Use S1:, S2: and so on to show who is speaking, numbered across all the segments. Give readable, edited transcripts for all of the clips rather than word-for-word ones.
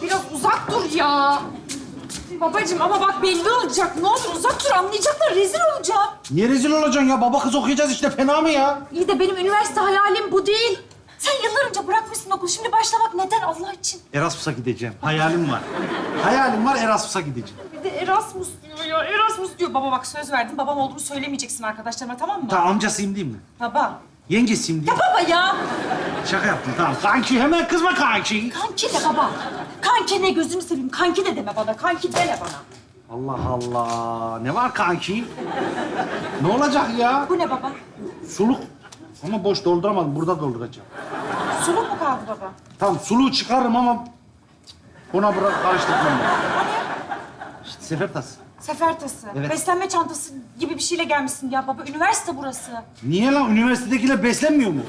S1: biraz uzak dur ya. Babacığım ama bak belli olacak. Ne olur uzak dur, anlayacaklar. Rezil olacağım.
S2: Niye rezil olacaksın ya? Baba kız okuyacağız işte. Fena mı ya?
S1: İyi de benim üniversite hayalim bu değil. Sen yıllar önce bırakmışsın okulu. Şimdi başlamak neden Allah için?
S2: Erasmus'a gideceğim. Hayalim var. Hayalim var, Erasmus'a gideceğim.
S1: Bir de Erasmus diyor ya. Erasmus diyor. Baba bak söz verdim. Babam olduğumu söylemeyeceksin arkadaşlarıma, tamam mı?
S2: Tamam, amcasıyım değil mi?
S1: Baba.
S2: Yengesiyim değil
S1: Ya
S2: mi?
S1: baba ya.
S2: Şaka yaptım, tamam. Kanki, hemen kızma kanki.
S1: Kanki de baba. Kanki ne, gözünü seveyim. Kanki de deme bana. Kanki deme bana.
S2: Allah Allah. Ne var kanki? Ne olacak ya?
S1: Bu ne baba?
S2: Suluk. Ama boş dolduramadım. Burada dolduracağım.
S1: Suluk mu kaldı baba?
S2: Tamam, suluğu çıkarırım ama ona bırak karıştırmam ben. İşte sefer tası.
S1: Sefer tası.
S2: Evet.
S1: Beslenme çantası gibi bir şeyle gelmişsin ya baba. Üniversite burası.
S2: Niye lan? Üniversitedekiler beslenmiyor mu?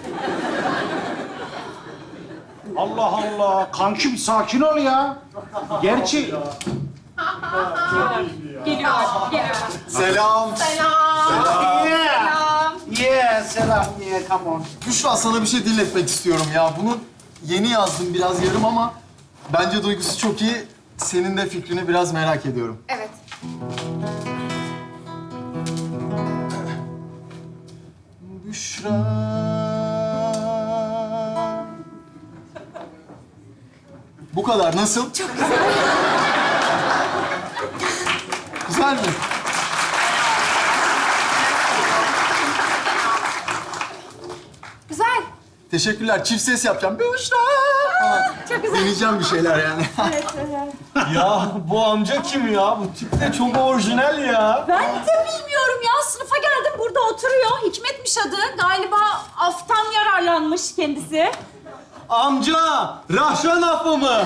S2: Allah Allah. Kanki bir sakin ol ya. Gerçi...
S1: Geliyorlar, geliyorlar.
S3: Selam.
S2: Yeah. Yeah, selam. Yeah, come on.
S3: Büşra, sana bir şey dinletmek istiyorum ya. Bunu yeni yazdım, biraz yarım ama bence duygusu çok iyi. Senin de fikrini biraz merak ediyorum.
S1: Evet.
S3: Büşra. Bu kadar. Nasıl? Çok güzel. Güzel mi?
S1: Güzel.
S3: Teşekkürler. Çift ses yapacağım. Büşra.
S1: Çok güzel.
S3: Deneyeceğim bir şeyler yani.
S1: Evet, evet.
S4: Ya bu amca kim ya? Bu tip de çok orijinal ya.
S1: Ben de bilmiyorum ya. Sınıfa geldim, burada oturuyor. Hikmetmiş adı. Galiba aftan yararlanmış kendisi.
S4: Amca, Rahşan affı mı?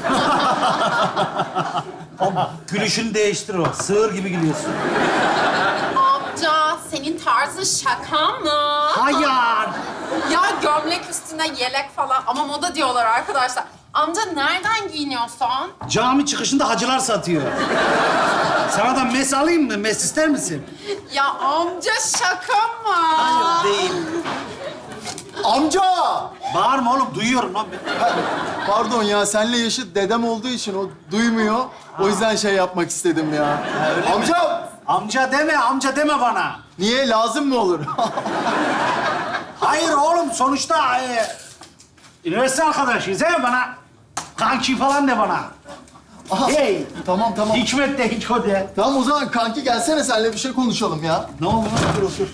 S2: Gülüşünü değiştir o. Sığır gibi gülüyorsun.
S5: Amca, senin tarzın şaka mı?
S2: Hayır.
S5: Ya gömlek üstüne yelek falan ama moda diyorlar arkadaşlar. Amca nereden giyiniyorsun?
S2: Cami çıkışında hacılar satıyor. Sana da mes alayım mı? Mes ister misin?
S5: Ya amca şaka mı?
S2: Değil.
S3: Amca!
S2: Bağırma oğlum. Duyuyorum lan.
S3: Pardon ya, senle yaşıt dedem olduğu için o duymuyor. O yüzden şey yapmak istedim ya. Amca!
S2: Amca deme bana.
S3: Niye? Lazım mı olur?
S2: Hayır oğlum, sonuçta üniversite arkadaşıyız he bana. Kanki falan de bana.
S3: Aha,
S2: Hey,
S3: tamam.
S2: Hikmet de Hiko de.
S3: Tamam, o zaman kanki gelsene, seninle bir şey konuşalım ya.
S2: Ne oldu lan? Dur otur.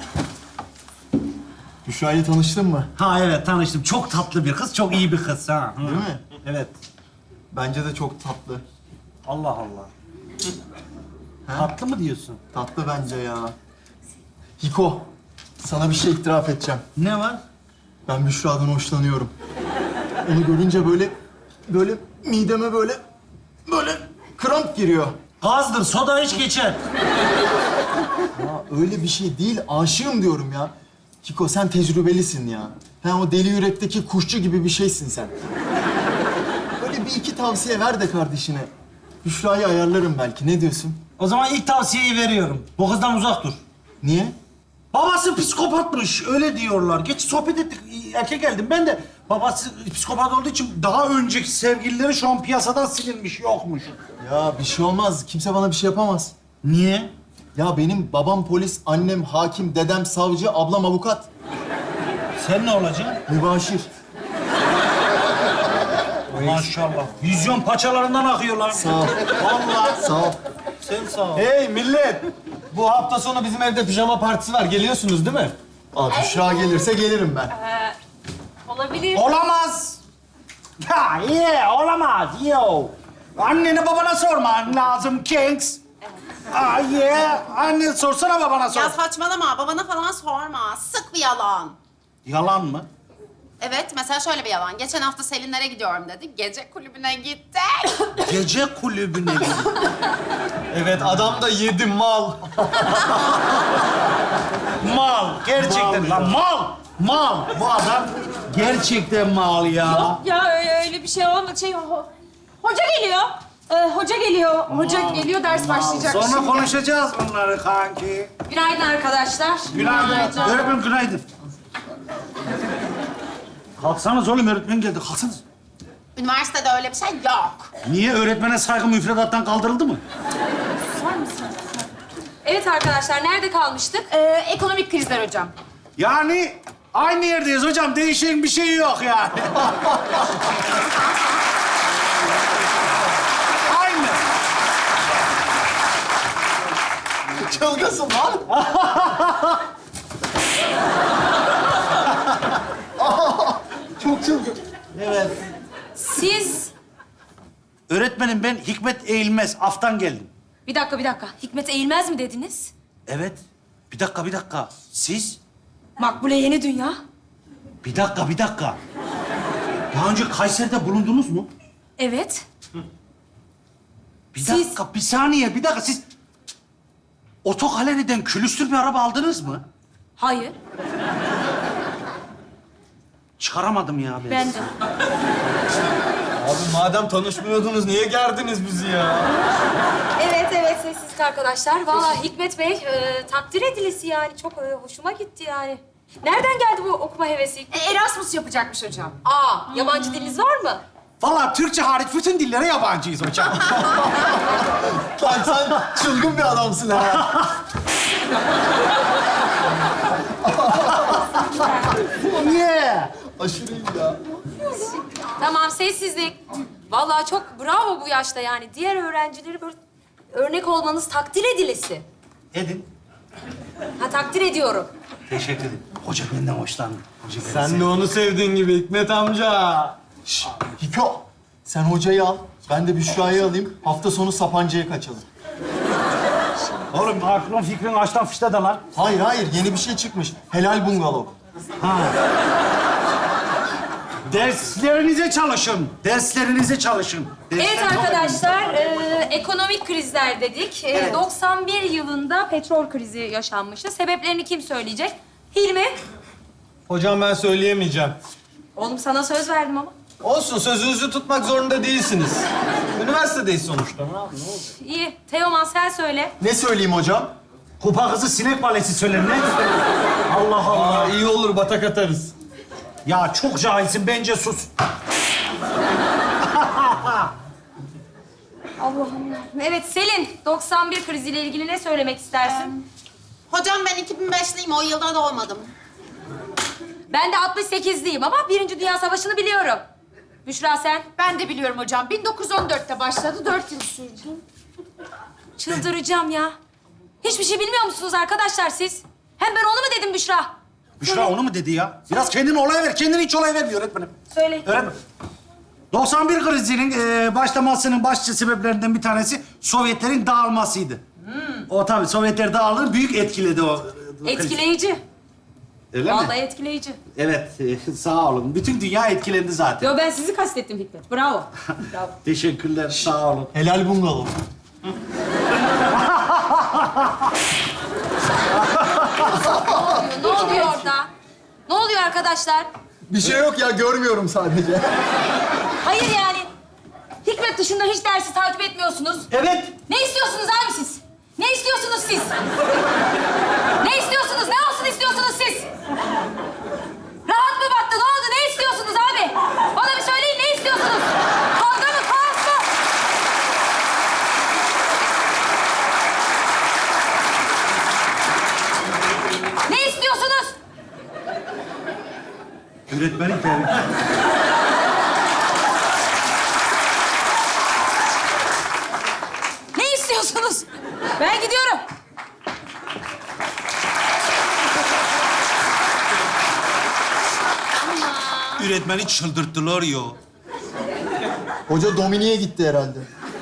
S3: Büşra'yla tanıştın mı?
S2: Ha evet, tanıştım. Çok tatlı bir kız, çok iyi bir kız ha. Hı.
S3: Değil mi?
S2: Evet.
S3: Bence de çok tatlı.
S2: Allah Allah. Tatlı mı diyorsun?
S3: Tatlı bence ya. Hiko, sana bir şey itiraf edeceğim.
S2: Ne var?
S3: Ben Büşra'dan hoşlanıyorum. Onu görünce böyle mideme böyle kramp giriyor.
S2: Gazdır, soda hiç geçer.
S3: Ya öyle bir şey değil, aşığım diyorum ya. Hiko, sen tecrübelisin ya. Ha, o deli yürekteki kuşçu gibi bir şeysin sen. Böyle bir iki tavsiye ver de kardeşine. Büşra'yı ayarlarım belki, ne diyorsun?
S2: O zaman ilk tavsiyeyi veriyorum. Bu kızdan uzak dur.
S3: Niye?
S2: Babası psikopatmış, öyle diyorlar. Geç sohbet ettik, erkek geldim. Ben de babası psikopat olduğu için daha önceki sevgilileri şu an piyasadan silinmiş, yokmuş.
S3: Ya bir şey olmaz, kimse bana bir şey yapamaz.
S2: Niye?
S3: Ya benim babam polis, annem hakim, dedem savcı, ablam avukat.
S2: Sen ne olacaksın?
S3: Mübaşir.
S2: Maşallah. Vizyon paçalarından akıyorlar.
S3: Sağ ol.
S2: Vallahi.
S3: Sağ ol.
S2: Sen sağ ol.
S4: Hey millet! Bu hafta sonu bizim evde pijama partisi var. Geliyorsunuz değil mi?
S3: Abi Büşra gelirse gelirim ben.
S1: Olabilir.
S2: Olamaz. Ya olamaz. Yo. Annene babana sorman lazım Kings. Anne sorsana babana sor.
S5: Ya saçmalama, babana falan sorma. Sık bir yalan.
S2: Yalan mı?
S5: Evet, mesela şöyle bir yalan. Geçen hafta Selinlere gidiyorum dedi. Gece kulübüne gittik.
S2: Gece kulübüne gidin.
S4: Evet, adam da yedi mal.
S2: Mal. Gerçekten
S4: Mal
S2: lan
S4: ya.
S2: mal. Mal. Bu adam gerçekten mal ya.
S1: Yok ya öyle bir şey olmadı. Hoca geliyor. Hoca geliyor. Hoca geliyor, ders başlayacak
S2: Sonra
S1: şimdi.
S2: konuşacağız bunları kanki.
S1: Günaydın arkadaşlar.
S2: Günaydın. Öğretmen günaydın. Kalksanız oğlum, öğretmen geldi. Kalksanız.
S5: Üniversitede öyle bir şey yok.
S2: Niye? Öğretmene saygı müfredattan kaldırıldı mı?
S1: Evet arkadaşlar, nerede kalmıştık?
S5: Ekonomik krizler hocam.
S2: Yani aynı yerdeyiz hocam. Değişen bir şey yok yani. Aynı.
S3: Çılgınsın lan. Çok çılgın.
S2: Evet.
S1: Siz...
S2: Öğretmenim ben Hikmet Eğilmez. Af'tan geldim.
S1: Bir dakika. Hikmet Eğilmez mi dediniz?
S2: Evet. Bir dakika. Siz?
S1: Makbule Yeni Dünya.
S2: Bir dakika. Daha önce Kayseri'de bulundunuz mu?
S1: Evet.
S2: Bir
S1: Siz-
S2: dakika, bir saniye. Siz otogaleriden külüstür bir araba aldınız mı?
S1: Hayır.
S2: Çıkaramadım ya ben.
S1: Ben de.
S4: Abi madem tanışmıyordunuz niye gerdiniz bizi ya?
S1: Evet sessizlik arkadaşlar. Vallahi Hikmet Bey takdir edilisi yani. Çok hoşuma gitti yani. Nereden geldi bu okuma hevesi?
S5: Erasmus yapacakmış hocam.
S1: Yabancı diliniz var mı?
S2: Vallahi Türkçe hariç bütün dillere yabancıyız hocam.
S3: Lan sen çılgın bir adamsın ha.
S2: Niye?
S3: Aşırı iyi ya.
S1: Tamam, sessizlik. Vallahi çok bravo bu yaşta yani. Diğer öğrencileri böyle örnek olmanız takdir edilisi.
S2: Edin.
S1: Takdir ediyorum.
S2: Teşekkür ederim. Hoca benden hoşlandı. Hoca beni
S4: Sen
S2: sevdi.
S4: de onu sevdiğin gibi Hikmet amca.
S3: Şşş, Hiko. Sen hocayı al. Ben de Büşra'yı alayım. Hafta sonu Sapanca'ya kaçalım.
S2: Oğlum aklın fikrin açtan fişte de lan.
S3: Hayır. Yeni bir şey çıkmış. Helal bungalov.
S2: Derslerinize çalışın.
S1: Evet arkadaşlar, ekonomik krizler dedik. 91 yılında petrol krizi yaşanmıştı. Sebeplerini kim söyleyecek? Hilmi.
S4: Hocam ben söyleyemeyeceğim.
S1: Oğlum sana söz verdim ama.
S4: Olsun sözünüzü tutmak zorunda değilsiniz. Üniversitedeyiz sonuçta. Ne yapayım?
S1: İyi. Teoman sen söyle.
S3: Ne söyleyeyim hocam?
S2: Kupa kızı sinek balesi söyler ne? Allah Allah.
S4: Aa, iyi olur batak atarız.
S2: Ya çok cahilsin bence sus.
S1: Allah'ım. Evet Selin, 91 kriziyle ilgili ne söylemek istersin?
S5: Hocam ben 2005'liyim, o yılda doğmadım.
S1: Ben de 68'liyim ama Birinci Dünya Savaşı'nı biliyorum. Büşra sen?
S5: Ben de biliyorum hocam. 1914'te başladı, 4 yıl sürdü.
S1: Çıldıracağım ya. Hiçbir şey bilmiyor musunuz arkadaşlar siz? Hem ben onu mu dedim Büşra?
S2: Büşra onu mu dedi ya? Biraz kendini olay ver. Kendini hiç olay vermiyor öğretmenim.
S1: Söyle.
S2: Öğretmenim. 91 krizinin başlamasının başlıca sebeplerinden bir tanesi Sovyetlerin dağılmasıydı. O tabii Sovyetler dağılır, büyük etkiledi o.
S1: Etkileyici.
S2: Öyle
S1: Vallahi
S2: mi?
S1: etkileyici.
S2: Evet, sağ olun. Bütün dünya etkilendi zaten.
S1: Yo ben sizi kastettim Hikmet. Bravo. Bravo.
S2: Teşekkürler, sağ olun.
S3: Helal bungalov.
S1: Ne oluyor orada? Ne oluyor arkadaşlar?
S3: Bir şey yok ya, görmüyorum sadece.
S1: Hayır yani. Hikmet dışında hiç dersi takip etmiyorsunuz.
S2: Evet,
S1: Ne istiyorsunuz abi siz? Ne istiyorsunuz siz? Ne istiyorsunuz? Ne olsun istiyorsunuz siz? Rahat mı battı? Ne oldu? Ne istiyorsunuz abi? Bana bir söyleyin ne istiyorsunuz? Kavga mı? Kaos mu? Ne istiyorsunuz?
S2: öğretmenim tabii.
S1: Ne istiyorsunuz? Ben gidiyorum.
S2: Öğretmeni çıldırttılar ya.
S3: Hoca Dominik'e gitti herhalde.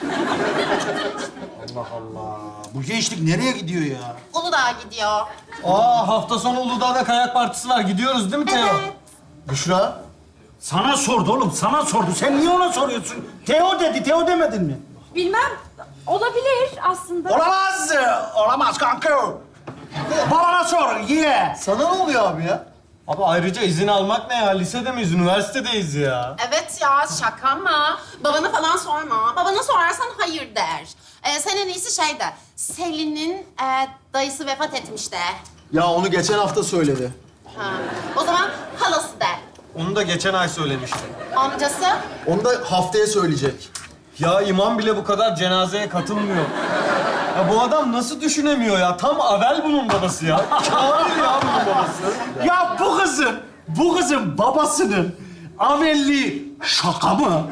S2: Bu gençlik nereye gidiyor ya?
S5: Uludağ'a gidiyor.
S4: Aa hafta sonu Uludağ'da kayak partisi var. Gidiyoruz değil mi Teo?
S3: Büşra,
S2: Sana sordu oğlum, sana sordu. Sen niye ona soruyorsun? Teo dedi, Teo demedin mi?
S1: Bilmem. Olabilir aslında.
S2: Olamaz, olamaz kanka. Bana sor, ye.
S3: sana ne oluyor abi ya?
S4: Abi ayrıca izin almak ne ya? Lisede miyiz? Üniversitedeyiz ya.
S5: Evet ya, şaka mı? Babana falan sorma. Babana sorarsan hayır der. Sen en iyisi şey de, Selin'in dayısı vefat etmiş de.
S3: Ya onu geçen hafta söyledi.
S5: Ha. O zaman halası de.
S4: Onu da geçen ay söylemişti.
S5: Amcası?
S3: Onu da haftaya söyleyecek.
S4: Ya imam bile bu kadar cenazeye katılmıyor. Ya bu adam nasıl düşünemiyor ya? Tam Avel bunun babası ya. Kamil ya bunun babası.
S2: Ya bu kızın babasının amelliği şaka mı?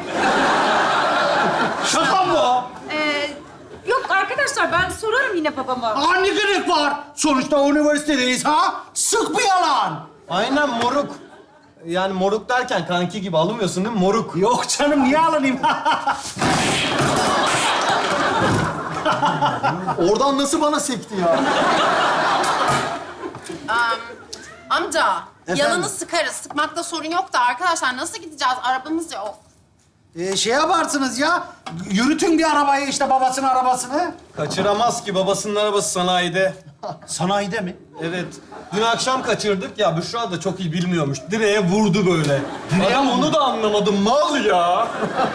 S2: Şaka mı?
S1: Yok arkadaşlar ben sorarım yine babama.
S2: Ne gerek var? Sonuçta üniversitedeyiz ha? Sık bir yalan.
S4: Aynen moruk. Yani moruk derken kanki gibi alınmıyorsun değil mi? Moruk.
S2: Yok canım, niye alınayım?
S3: Oradan nasıl bana sekti ya?
S5: Amca,
S2: Efendim?
S5: yalanı sıkarız. Sıkmakta sorun yok da arkadaşlar nasıl gideceğiz? Arabamız yok.
S2: Şey yaparsınız ya, yürütün bir arabayı işte babasının arabasını.
S4: Kaçıramaz ki babasının arabası sanayide.
S2: Sanayide mi?
S4: Evet. Dün akşam kaçırdık ya Büşra da çok iyi bilmiyormuş. Direğe vurdu böyle. Adam onu da anlamadı. Mal ya.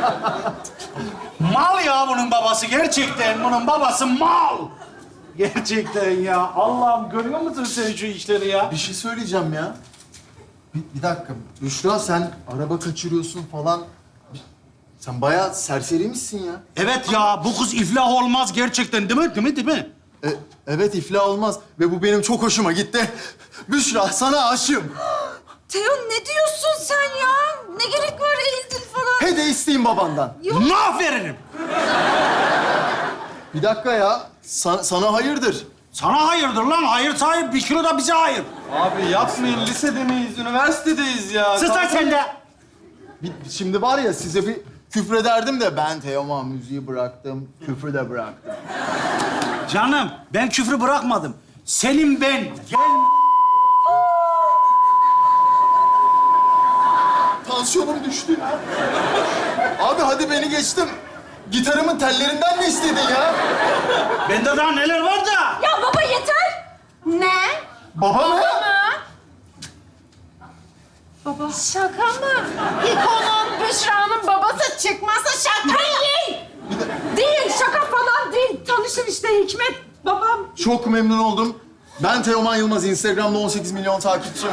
S2: Mal ya bunun babası, gerçekten bunun babası mal. Gerçekten ya. Allah'ım, görüyor musun sen şu işleri ya?
S3: Bir şey söyleyeceğim ya. Bir dakika. Büşra sen araba kaçırıyorsun falan. Sen bayağı serseriymişsin ya.
S2: Evet ya, bu kız iflah olmaz gerçekten, değil mi? Değil mi?
S3: Evet iflah olmaz ve bu benim çok hoşuma gitti. Büşra sana aşığım.
S1: Teo ne diyorsun sen ya? Ne gerek var eğildin falan?
S3: Hede isteyeyim babandan.
S2: Ne veririm?
S3: Bir dakika ya. Sana hayırdır?
S2: Sana hayırdır lan, hayır sahip, 1 kilo da bize hayır.
S4: Abi yapmayın. Lisede miyiz? Üniversitedeyiz ya.
S2: Sus lan sen de.
S3: Şimdi var ya size bir küfrederdim de ben Teoman müziği bıraktım, küfrü de bıraktım.
S2: Canım, ben küfrü bırakmadım. Senin ben
S3: Tansiyonum düştü ya. Abi hadi beni geçtim. Gitarımın tellerinden ne istedin ya?
S2: Bende daha neler var da.
S1: Ya baba yeter.
S5: Ne?
S3: Baba mı?
S1: Baba.
S5: Şaka mı? İkonun, Büşra'nın babası çıkmasa şaka değil.
S1: Değil şaka falan değil. Tanışın işte Hikmet babam.
S3: Çok memnun oldum. Ben Teoman Yılmaz. Instagram'da 18 milyon takipçim.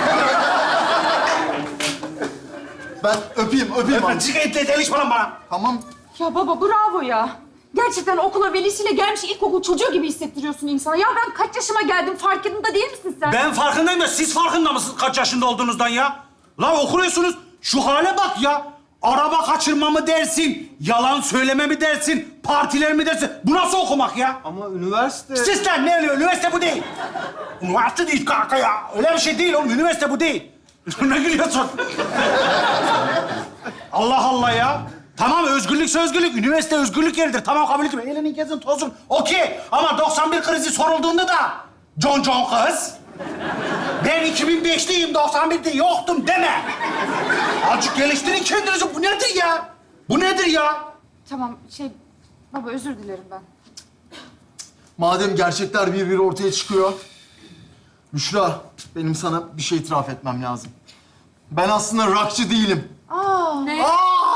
S3: Ben öpeyim abi.
S2: Çık etle delişme lan bana.
S3: Tamam.
S1: Ya baba bravo ya. Gerçekten okula velisiyle gelmiş ilkokul çocuğu gibi hissettiriyorsun insana. Ya ben kaç yaşıma geldim farkında değil misin sen?
S2: Ben farkındayım da siz farkında mısınız kaç yaşında olduğunuzdan ya? Lan okuyorsunuz, şu hale bak ya. Araba kaçırma mı dersin, yalan söyleme mi dersin, partiler mi dersin? Bu nasıl okumak ya?
S4: Ama üniversite...
S2: Siz lan ne oluyor? Üniversite bu değil. Üniversite değil kanka ya. Öyle bir şey değil oğlum, üniversite bu değil. Ne gülüyorsun? Allah Allah ya. Tamam, özgürlükse özgürlük. Üniversite özgürlük yeridir. Tamam, kabul ediyorum. Eğlenin, gezin, tozun. Okey. Ama 91 krizi sorulduğunda da John kız. Ben 2005'liyim, 91'de yoktum deme. Azıcık geliştirin kendinizi. Bu nedir ya? Bu nedir ya?
S1: Tamam baba özür dilerim ben.
S3: Madem gerçekler bir ortaya çıkıyor. Büşra, benim sana bir şey itiraf etmem lazım. Ben aslında rockçı değilim.
S1: Ne?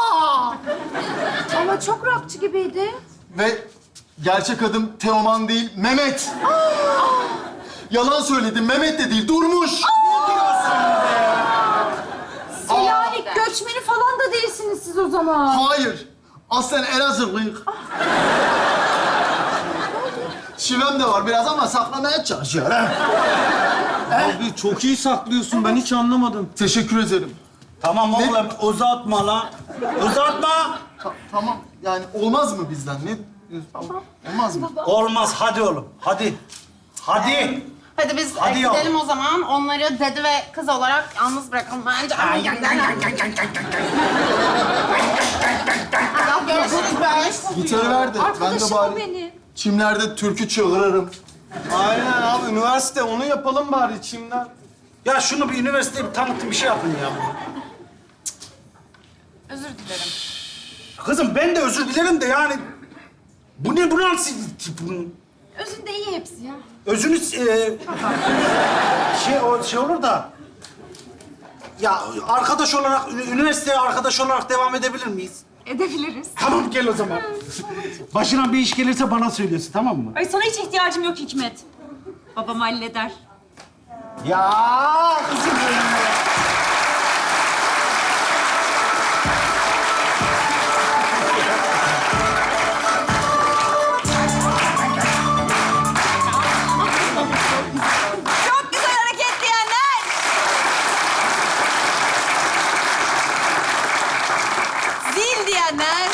S1: Ama çok rockçı gibiydi.
S3: Ve gerçek adım Teoman değil, Mehmet. Yalan söyledim, Mehmet de değil, Durmuş.
S1: Selanik göçmeni falan da değilsiniz siz o zaman.
S3: Hayır, aslen Elazığlıyık. Şivem de var biraz ama saklamaya çalışıyor.
S4: Abi çok iyi saklıyorsun. Ben hiç anlamadım.
S3: Teşekkür ederim.
S2: Tamam oğlum, uzatma lan. Uzatma.
S3: Tamam, yani olmaz mı bizden? Ne diyorsun? Olmaz mı?
S2: Olmaz, hadi oğlum. Hadi. Hadi.
S5: Hadi biz
S2: Hadi
S5: gidelim
S2: yavrum.
S5: o zaman. Onları dede ve kız olarak yalnız bırakalım bence. Allah görüşürüz be.
S3: Gitarı ver de ben de
S1: Arkadaşım o
S3: bari
S1: benim.
S3: çimlerde türkü çığırırım.
S4: Aynen abi üniversite. Onu yapalım bari içimden.
S2: Ya şunu bir üniversiteye bir tanıtın, bir şey yapın ya.
S1: Özür dilerim.
S2: Kızım ben de özür dilerim de yani... Bu ne, bu nasıl tip bunun?
S1: Özünde iyi hepsi ya.
S2: Özünüz... şey olur da... Ya arkadaş olarak, üniversiteye arkadaş olarak devam edebilir miyiz?
S1: Edebiliriz.
S2: Tamam, gel o zaman. Başına bir iş gelirse bana söylüyorsun, tamam mı?
S1: Ay sana hiç ihtiyacım yok Hikmet. Babam halleder.
S2: Ya kızım benim ya.
S5: Caner.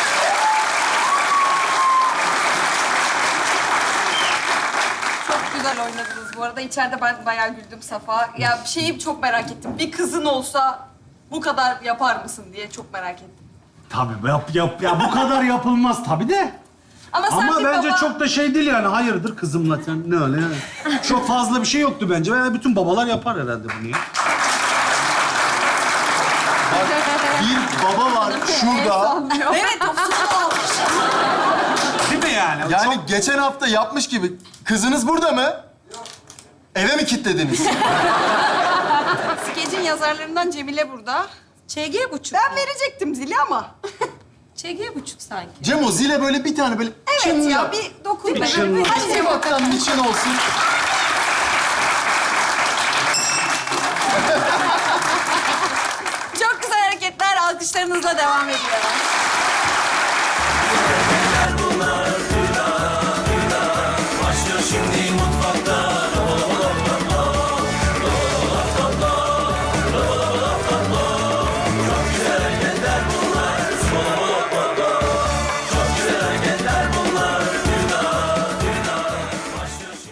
S6: Çok güzel oynadınız bu arada. İçeride ben bayağı güldüm Safa. Ya şeyi çok merak ettim. Bir kızın olsa bu kadar yapar mısın diye çok merak ettim.
S2: Tabii yap. Ya bu kadar yapılmaz tabii de.
S6: Ama sen
S2: Ama
S6: bir
S2: bence
S6: baba...
S2: çok da şey değil yani. Hayırdır kızımla sen ne öyle yani. Çok fazla bir şey yoktu bence. Yani bütün babalar yapar herhalde bunu ya.
S3: Bir baba var şurada.
S6: Evet, o sıkı almış.
S2: Değil mi yani?
S3: Yani geçen hafta yapmış gibi. Kızınız burada mı? Eve mi kilitlediniz?
S6: Skecin yazarlarından Cemile burada.
S1: ÇG buçuk.
S6: Ben verecektim zili ama.
S1: ÇG buçuk sanki.
S3: Cemo zile böyle bir tane böyle
S6: Evet
S3: çın
S6: ya,
S3: yap.
S6: bir dokun.
S2: Bir çın.
S6: Hadi Cemo.
S3: Ufaktan niçin olsun.
S6: Çok güzel hareketler. Alkışlarınızla devam ediyor.